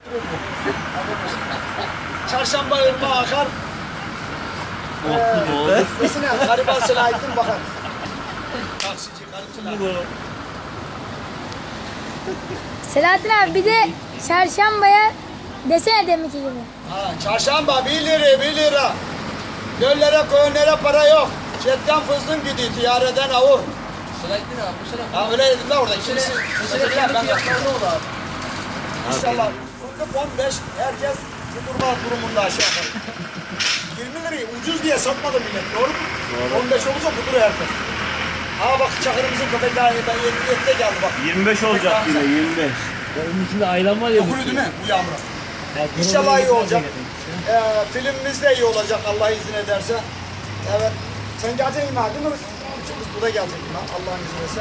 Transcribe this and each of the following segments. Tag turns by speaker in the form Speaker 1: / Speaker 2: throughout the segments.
Speaker 1: Çarşamba ırmağı akar. Nesine? Gariban Selahattin bakar. Taksici, garip Selahattin.
Speaker 2: Selahattin abi bir de çarşambaya desene deminki gibi.
Speaker 1: Ha, çarşamba 1 lira 1 lira. Göllere koyunlara para yok. Cetten fızdın gidiyor, tiyareden avur.
Speaker 3: Selahattin abi bu sene
Speaker 1: Ha öyle dedim de orada. Kimisi
Speaker 3: fiyatlar ne oldu abi?
Speaker 1: İnşallah. Fındık 15, herkes durma durumunda aşağı yukarı. 20 lirayı ucuz diye satmadı millet, doğru mu? Doğru. 15 olursa kudur herkes. Ha bak Çakır'ımızın köpekleri ben 27'de geldi bak.
Speaker 4: 25 olacak yine 25.
Speaker 5: Onun içinde aylan var ya.
Speaker 1: Okulu değil mi bu yağmura? İnşallah iyi olacak. Filmimiz de iyi olacak Allah izin ederse. Evet. Sen geleceksin mi değil mi? Biz burada gelecek mi? Allah'ın izniyle.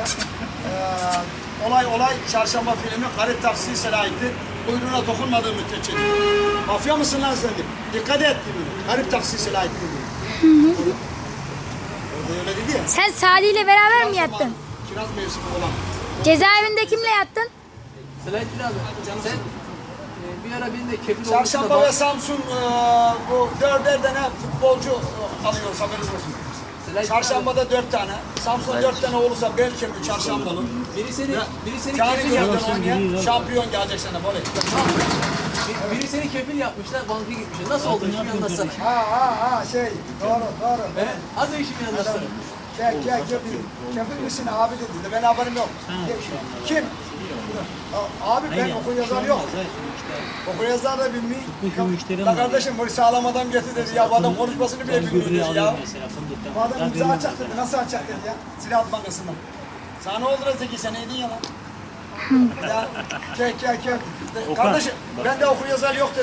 Speaker 1: Olay çarşamba filmi Garip Taksi Selahattin. Kuyruğuna dokunmadığı müddetçe. Mafya mısın lan sen? Dikkat et gibi. Garip Taksi Selahattin gibi. Orada öyle dedi ya.
Speaker 2: Sen Sadi ile beraber mi yattın?
Speaker 1: Kiraz mevsimi olan.
Speaker 2: Cezaevinde kimle yattın?
Speaker 3: Selahattin abi sen bir ara benim de kefil
Speaker 1: Çarşamba ve Samsun bu 4'er tane futbolcu alıyoruz haberiniz olsun. Çarşambada 4 tane, Samsun 4 tane olursa belki mi çarşambalı.
Speaker 3: biri seni
Speaker 1: Cani
Speaker 3: kefil
Speaker 1: Gölü'den
Speaker 3: yapmış.
Speaker 1: oynayan şampiyon gelecek sana böyle.
Speaker 3: Biri seni kefil yapmışlar, banka gitmişler. Nasıl oldu işimi anlatsana.
Speaker 1: Doğru.
Speaker 3: Az da işimi anlatsana.
Speaker 1: Gel kefil misin abi dedi. Ben haberim yok. Kim? Abi ben okuryazar yok. Okuryazar da bilmiyor. La kardeşim bunu sağlam adam getir dedi ya. Bu adam konuşmasını bile bilmiyor dedi ya. Bu adam bize açacak dedi. Nasıl açacak dedi ya. Ziraat Bankası'ndan. Sana ne oldu Zeki sen neydin ya lan? Ya gel. Kardeşim ben de okuryazar yok dedi.